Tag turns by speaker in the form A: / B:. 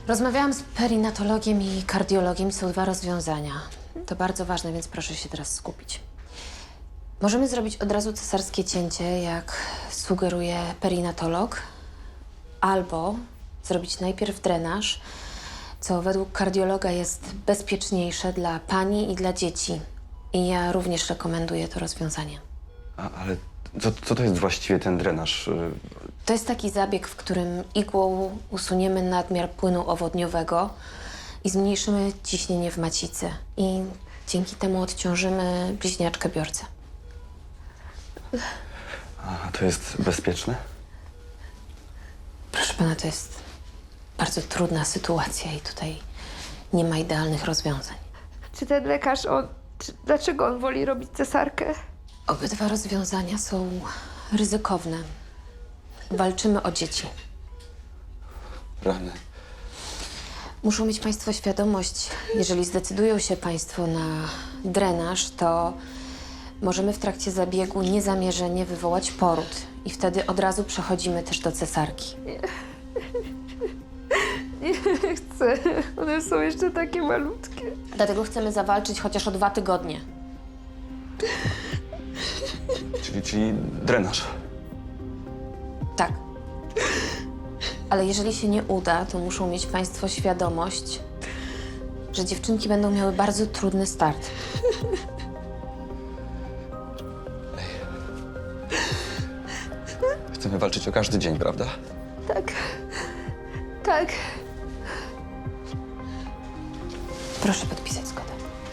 A: Rozmawiałam z perinatologiem i kardiologiem. Są dwa rozwiązania. To bardzo ważne, więc proszę się teraz skupić. Możemy zrobić od razu cesarskie cięcie, jak sugeruje perinatolog, albo zrobić najpierw drenaż, co według kardiologa jest bezpieczniejsze dla pani i dla dzieci. I ja również rekomenduję to rozwiązanie.
B: Ale co to jest właściwie ten drenaż?
A: To jest taki zabieg, w którym igłą usuniemy nadmiar płynu owodniowego i zmniejszymy ciśnienie w macicy. I dzięki temu odciążymy bliźniaczkę biorcę.
B: A to jest bezpieczne?
A: Proszę pana, to jest bardzo trudna sytuacja i tutaj nie ma idealnych rozwiązań.
C: Czy ten lekarz, dlaczego on woli robić cesarkę?
A: Obydwa rozwiązania są ryzykowne. Walczymy o dzieci.
B: Rany.
A: Muszą mieć państwo świadomość, jeżeli zdecydują się państwo na drenaż, to możemy w trakcie zabiegu niezamierzenie wywołać poród. I wtedy od razu przechodzimy też do cesarki.
C: Nie chcę. One są jeszcze takie malutkie.
A: Dlatego chcemy zawalczyć chociaż o 2 tygodnie.
B: Czyli drenaż.
A: Tak. Ale jeżeli się nie uda, to muszą mieć państwo świadomość, że dziewczynki będą miały bardzo trudny start.
B: Chcemy walczyć o każdy dzień, prawda?
C: Tak. Tak.
A: Proszę podpisać.